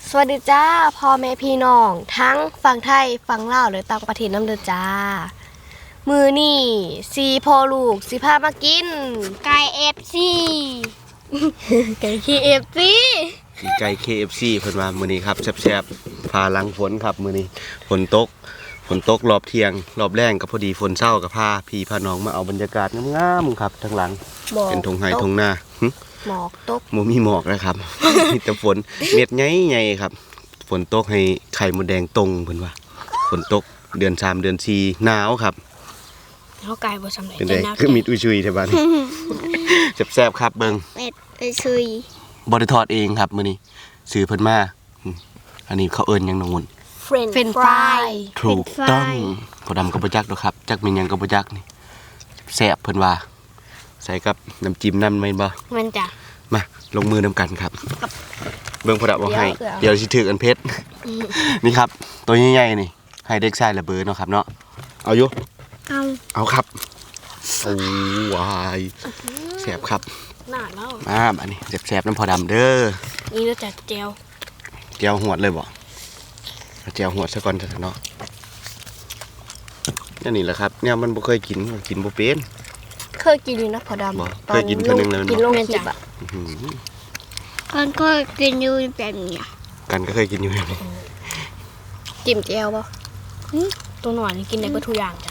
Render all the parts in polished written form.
สวัสดีจ้าพ่อแม่พี่น้องทั้งฝั่งไทยฝั่งลาวหรือต่างประเทศน้ำเดือจ้ามือนี่ซีพ่อลูกสิพามากินไก่เอฟซีไก่คีเอฟซีไก่ KFC เพิ่นว่ามื้อนี้ครับแซ่บๆพาหลังฝนครับมื้อนี้ฝนตกรอบเที่ยงรอบแรงก็พอดีฝนเช้าก็พาพี่พาน้องมาเอาบรรยากาศงามๆครับทั้งหลังเป็นทงไห้ทงนาหมอกตกบ่มีหมอกนะครับ มีแต่ฝนเม็ดใหญ่ๆครับฝนตกให้ไข่มดแดงตรงเพิ่นว่าฝนตกเดือน3เดือน4หนาวครับเฮาไก่บ่สำเร็จเป็นไดคือมีอุ้ยๆแท้บัดนี้แซ่บๆครับเบิ่งเม็ดซุยบ่ได้ทอดเองครับมื้อนี้ซื้อเพิ่นมาอันนี้เขาเอิ้นหยังน้องมุ่นเฟรนฟรายถูกต้องพอดำกับบ่จักดอกครับจักเป็นหยังกับบ่จักนี่แซ่บเพิ่นว่าใส่กับน้ำจิ้มนำแม่นบ่มันจ้ะมาลงมือนำกันครับเบิ่งพอดำบ่ให้เดี๋ยวสิถืออันเพชรนี่ครับตัวใหญ่ๆนี่ให้เด็กชายระเบิดเนาะครับเนาะเอาอยู่เอาครับโอ้วายแซ่บครับน่าเล่าอันนี้แซ่บๆน้ำพอดำเด้อนี่เราจัดแจวหวดเลยบ่แจวหวดซะก่อนเถอะเนาะนี่แหละครับเนี่ยมันบ่เคยกินบ่เป็นเคยกินอยู่นะพอดำเคยกินเท่านึงเลยกินลงคลิปอ่ะกันก็กินอยู่แบบนี้กันก็เคยกินอยู่แบบนี้จิ้มแจวป่ะตัวหน่อยนี่กินได้ก็ทุกอย่างจ้ะ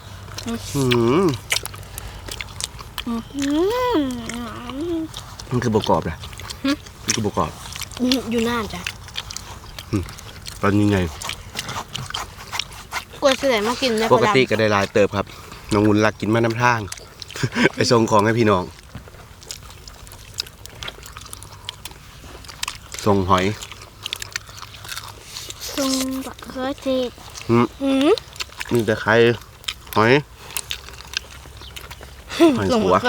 มันคือบกรอบแหละมันคือบกรอบอยู่น่านจ้ะตอนนี้ไงกลัวเสื่อมากินได้ปกติก็ได้ลายเติบครับน้องวุ้นรักกินมาน้ำทางไปส่งของให้พี่น้องส่งหอยส่งบักเขือเทศนี่แต่ใครหอยหัว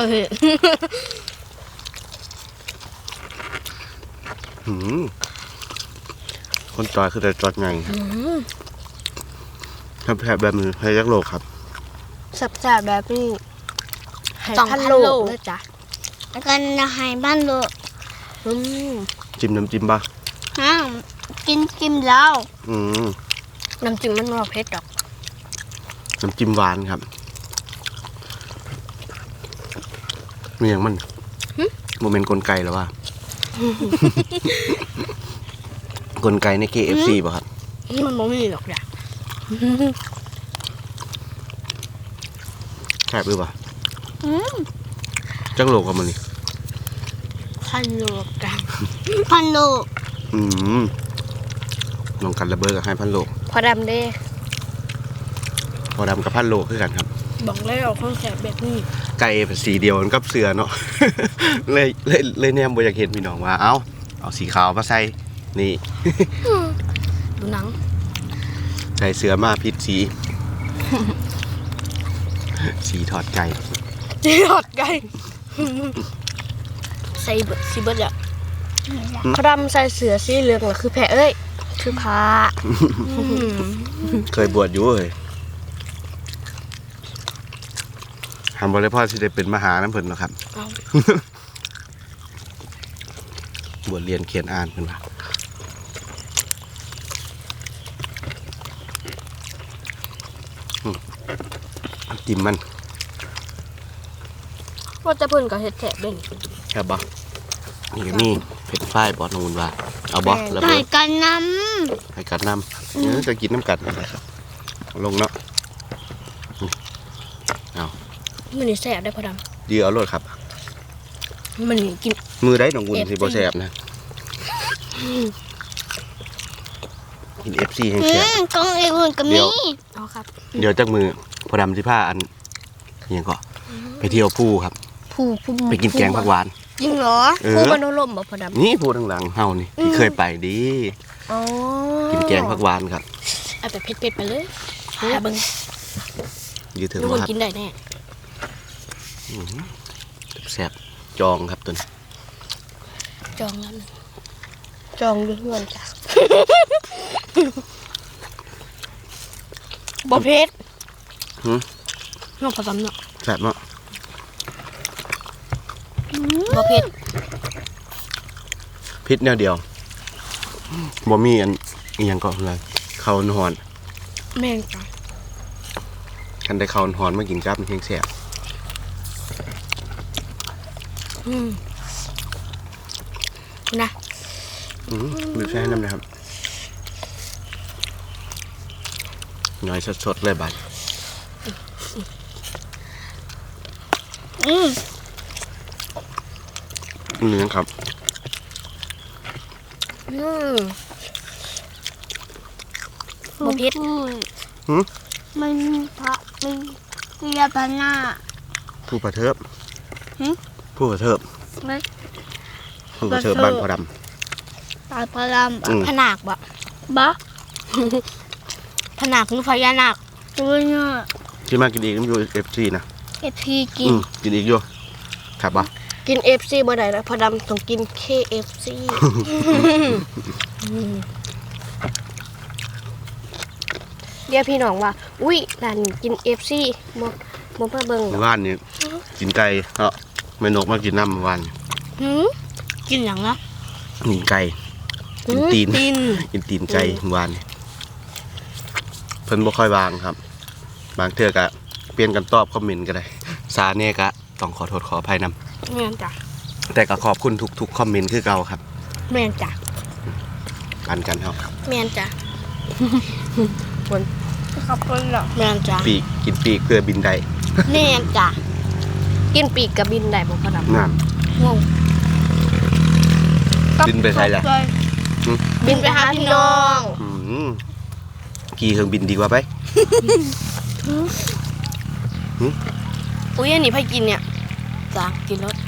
คนจอยคือแต่จอดไงถ้าแผลแบบนี้ให้ยักโลกครับสับแสบแบบนี้2,000 โลนะจ๊ะกันจะให้บ้านโลจิ้มน้ำจิ้มป่ะกินแล้วน้ำจิ้มมันว่าเผ็ดดอกน้ำจิ้มหวานครับมีอย่างมันโมเมนต์กลไกหรอวะกลไกใน KFC ป่ะครับมันไม่มีหรอกจ้ะแซ่บหรือเปล่าจังโลกกับมันนี่ 1,000 โลกัน 1,000 โลลองกันระเบิดกับให้1,000 โลพอดำเด้พอดำกับ1,000 โลคือกันครับบอกแล้วข้าวแสบแบบนี้ไก่สีเดียวมันกับเสือเนาะ เลยเนี่ยบ่อยากเห็นพี่น้องว่าเอาสีขาวมาใส่นี่ดูหนังใส่เสือมาพิษสี สีถอดไก่ถอดไก่ใส่เบิดสีเบิดอ่ะพระดำใส่เสือสีเหลืองน่ะคือแพะเอ้ยคือพาเคยบวชอยู่เลยทำบริพ่อที่ได้เป็นมหาน้ำผึ้งนะครับ บวชเรียนเขียนอ่านเป็นว่าจิ้มมันว่าจะเพิ่นกับเห็ดแฉะเด่นครับบอนี่ก็มีเผ็ดฝ้ายบอสนูนว่าเอาบอสแล้วให้กันน้ำจะกินน้ำกัดอะไรครับลงเนาะเอามันนี่แสบได้พอดำดีเอาโลดครับมันกินมือได้หนองอุ่นสิบ่แสบนะกิน FC ให้แสบกองอุ่นก็มีเอาครับเดี๋ยวจากมือพอดำที่ผ้าอันยังก็ไปเที่ยวภูครับภูไปกินแกงผักหวานจริงเหรอภูมันโดนลมบ่พอดำนี่ภูหลังๆเฮานี่ที่เคยไปดีกินแกงผักหวานครับเอาแต่เผ็ดๆไปเลยอย่าเบิ่งยืดถึงว่ากินได้แน่แซ่บจองครับตุนจองแล้วจองด้วยเงินจ้ะบ่เผ็ดน้องผสมเนาะแซ่บเนาะบ่เผ็ดพิษแนวเดียวบ่มีอันอีหยังก็เลยข้าวหอนแม่นจ้ะคันได้ข้าวหอนมากินกับเพียงแซ่บนะบีบใส่ให้น้ำนะครับน้อยสดๆเลยบัด เนื้อครับบ่เผ็ดมันพระมันเรียบหน้าผู้ประเทิบหึผู้ประเทิบไม่ผู้ประเทิบบ้านพอดตายพระรามผนักบ่บ้าผนักหรือพญานาคตัวเนี่ยำที่มากินอีกน้ำอยู่FCนะเอพีกินกินอีกอยู่ครับปะกิน FC บ่ได้แล้วพอดำต้องกิน KFC เดี๋ยวพี่น้องว่าอุ้ยร้านนี้กิน FC บ่มาเบิ่งเมื่อวานนี้กินไก่เนาะแม่นกมากินน้ำเมื่อวานกินหยังนะกินไก่กินตีนตีนกินตีนไก่เมื่อวานนี้เพิ่นบ่ค่อยวางครับ บางเทื่อก็เปลี่ยนกันตอบคอมเมนต์ก็ได้ซาเน่ก็ต้องขอโทษขออภัยนำแม่นจ้ะแต่ก็ขอบคุณทุกคอมเมนต์คือเก่าครับแม่นจ้ะปันกันเฮาแม่นจ้ะขอบคุณหรอกแม่นจ้ะปีกกินปีกเพื่อบินได้แม่นจ้ะกินปีกกับบินได้บ่พอดำนั่นงงบินไปไสล่ะบินไปหาพี่น้องขี่เครื่องบินดีกว่าไปอุ้ยอันนี้ไผกินเนี่ยจ้ะกินรถ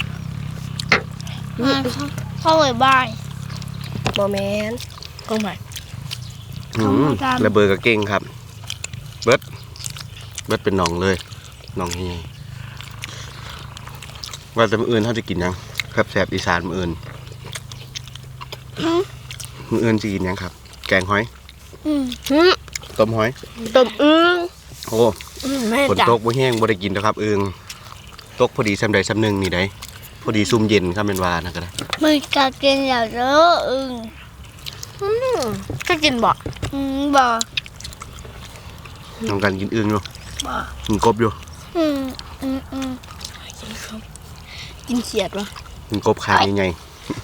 เข้าไปบ้านบ่แม่นกองไผระเบิดกับเก่งครับ เบิดเป็นหนองเลยหนองเฮียว่าแต่มื้ออื่นเขาจะกินหยังครับแสบอีสานมื้ออื่นจะกินหยังครับ แกงหอย ต้มหอยต้มอึ่งโอ้แม่ฝนจ้ะตกบ่แห้งบ่ได้กินแล้วครับอึงตกพอดีซ้ำใดซ้ำหนึ่งนี่ได้พอดีซุ่มเย็นครับเป็นวานะก็ได้มึงจะกินแล้วเด้อก็กินบ่บ่น้องกันกินอึงอยู่บ่กินกบอยู่กินเขียดวะกินกบขาใหญ่ๆ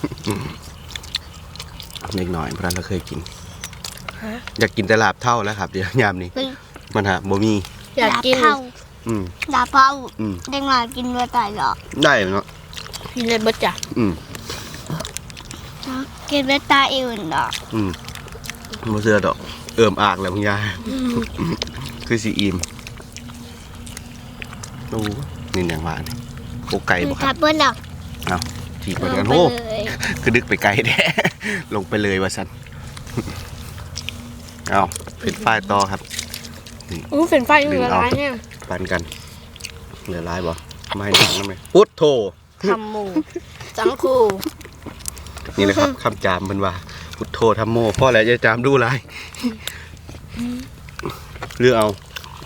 เล็กน้อยเพราะนั้นเราเคยกินอยากกินแต่ลาบเท่าแล้วครับเดี๋ยวยามนี้มันหาบ่มีอยากกินดาเผาเด็กน้อยกินเมื่อตายหรอได้เนาะกินเลยบ่จ้ะกินเมื่อตายอื่นหรอบ่เชื่อดอกเอิ่มอากแล้วคุณยายคือสิอิ่มโอ้นี่อย่างว่านี่โคไก่บ่คครัรับบ เพื่อนหรอกเอาทีกว่ากันโอ้คือดึกไปไกลแท้ ลงไปเลยว่าซั่นเอาเป็นฝ้ายต่อครับเป็นไฟอยู่ละลายเนี่ยปันกันเหลือลายบ่ไม่ให้ดังนะแม่พุทโธทำหมูจังคูนี่แหละครับคำจามมันว่า พุทโธธรรมโมพ่อแล้วจะจามดูลายเลือกเอา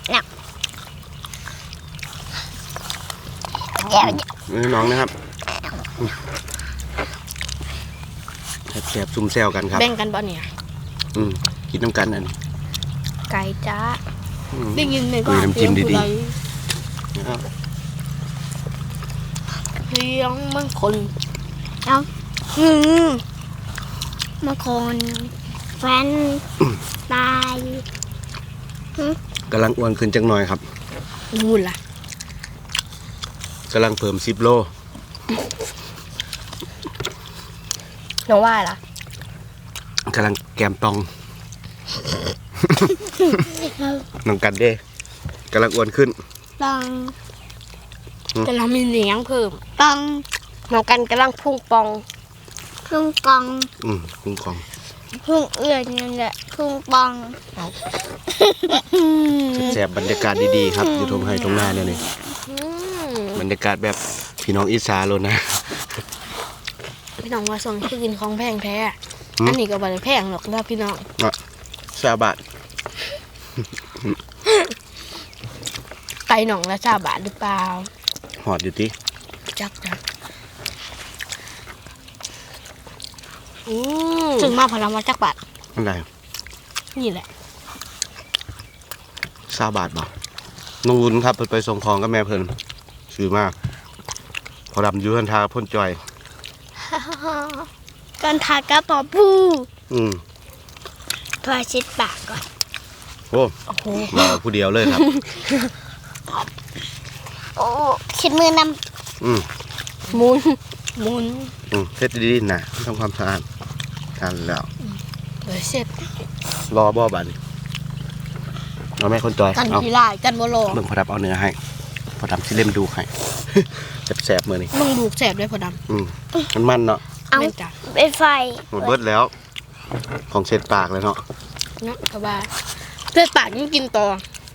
น้องนะครับแสบซุ่มแซวกันครับแบ่งกันบ่เนี่ยกินน้ำกันอันนี้ไก่จ้าได้ได้ยินในคุยน้ำจิ้มดีๆเลี้ยงมันคนมาคนแฟนตายกำลังอ้วนขึ้นจังหน่อยครับนู่นล่ะกำลังเพิ่ม10 โลน้องว่าล่ะกำลังแกมตอง น้องกันเด้กำลังอ้วนขึ้นตังแต่เรามีเลี้ยงเพิ่มตังน้องกันกำลังพุ่งปองพึ่งกองคุ้มครองพึ่งเอื่อยนี่แหละพึ่งปังแสบบรรยากาศดีๆครับอยู่ตรงไห้ตรงหน้าเนี่ยนี่บรรยากาศแบบพี่น้องอีสานเลยนะพี่น้องว่าส่งคือกินของแพงแท้อันนี้ก็บ่ได้แพงหรอกนะพี่น้อง 20 บาทไก่หน่องละ20 บาทหรือเปล่าหอดอยู่ที่จักจ้ะถึงมาพลังมาจักบาทอันใดนี่แหละ 20 บาทบ่น้องวุ้นครับเพิ่นไปส่งของกับแม่เพิ่นซื้อมากพอดำอยู่ทันทาพ่นจอยกันทากระป๋อปู พอเช็ดปากก่อนโอ้โอ้โหมาผู้เดียวเลยครับโอ้เช็ดมือนอืมหมุนเสร็จดีๆนะทำความสะอาดทานแล้วเดี๋ยวเสร็จรอบ่บัดนเอาแม่คนจอยกันเอาทีลายกันบ่รอเบิ่งพอดับเอาเนื้อให้พอดำสิเล่มดูให้ แสบๆมื้อนี้มึงดูแสบด้วยพอดมันเนาะำเอาแม่นจ้ะเป็นไฟหมดเบิดแล้วของเช็ดปากเลยเนาะเนาะกระบาเลือดปากยังกินต่อ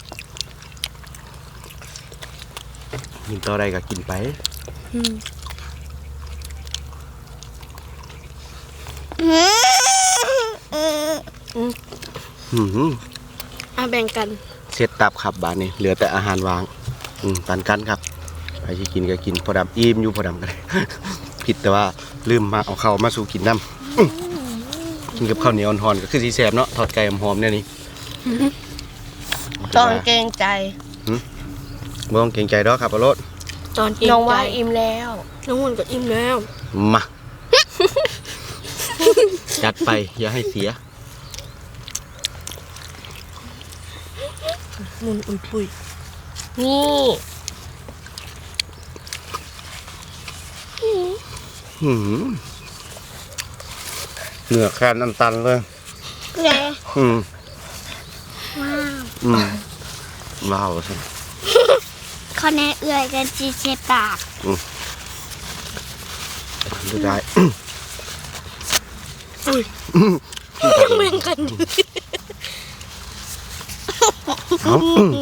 กินต่อใดก็กินไปอืม อ่ะแบ่งกันเช็ดตับครับบาดนี้เหลือแต่อาหารวางปันกันครับใครที่กินก็กินพอดำอิ่มอยู่พอดำกัน ผิดแต่ว่าลืมมาเอาข้าวมาสู่กินน้ำกินกับข้าวเหนียวอ่อนๆก็คือสีแสบเนาะทอดไก่หอมๆเนี่ยนี่ตอนเกรงใจบ่ต้องเกรงใจดอกครับอรสตอนเกรงใจน้องว่าอิ่มแล้วน้องหุ่นก็อิ่มแล้วมา จัดไปอย่าให้เสียมุนอุ่นปุยนี่เหนือแคนอันตันเลยไงอืมว้าวอืมว้าวสิเขาแน่เอื่อยกันจีเช็ดปากดูได้แบ่งกันเอา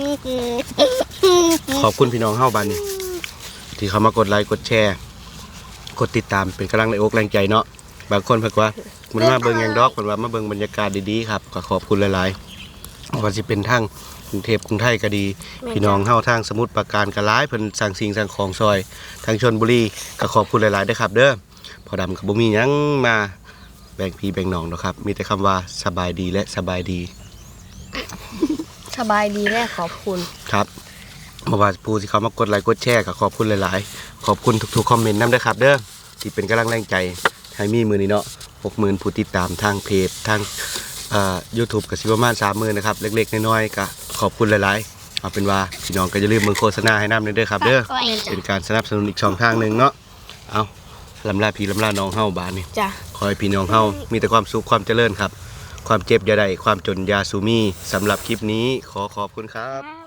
ขอบคุณพี่น้องเฮ้าบ้านนี้ที่เขามากดไลค์กดแชร์กดติดตามเป็นกำลังแรงอกแรงใจเนาะบางคนเพิ่นว่ามันมาเบิ่งหยังดอกเพิ่นว่ามาเบิ่งบรรยากาศดีๆครับก็ขอบคุณหลายๆว่าสิเป็นทางกรุงเทพกรุงไทยก็ดี พี่น้องเฮาทางสมุทรปราการก็หลายเพิ่นสั่งสิ่งสั่งของซอยทางชลบุรีก็ขอบคุณหลายๆเด้อครับเด้อพอดำก็บ่มีหยังมาแบ่งพี่แบ่งน้องดอกครับมีแต่คำว่าสบายดีและสบายดีสบายดีแน่ขอบคุณครับเมื่อวานผู้ที่เขามากดไลค์กดแชร์ก็ขอบคุณหลายๆขอบคุณทุกๆคอมเมนต์นำด้วยครับเด้อที่เป็นกำลังแรงใจให้มีมือนี้เนาะ 60,000 ผู้ติดตามทางเพจทางYouTube ก็สิประมาณ 30,000 นะครับเล็กๆน้อยๆก็ขอบคุณหลายๆเอาเป็นว่าพี่น้องก็อย่าลืมเบิ่งโฆษณาให้นำเด้อครับเด้อเป็นการสนับสนุนอีกช่องทางหนึงเนาะเอาลำลาพี่ลำลาน้องเฮาบานนี้จ้ะขอให้พี่น้องเฮามีแต่ความสุขความเจริญครับ ความเจ็บอย่าได้ความจนอยาสูมีสำหรับคลิปนี้ขอขอบคุณครับ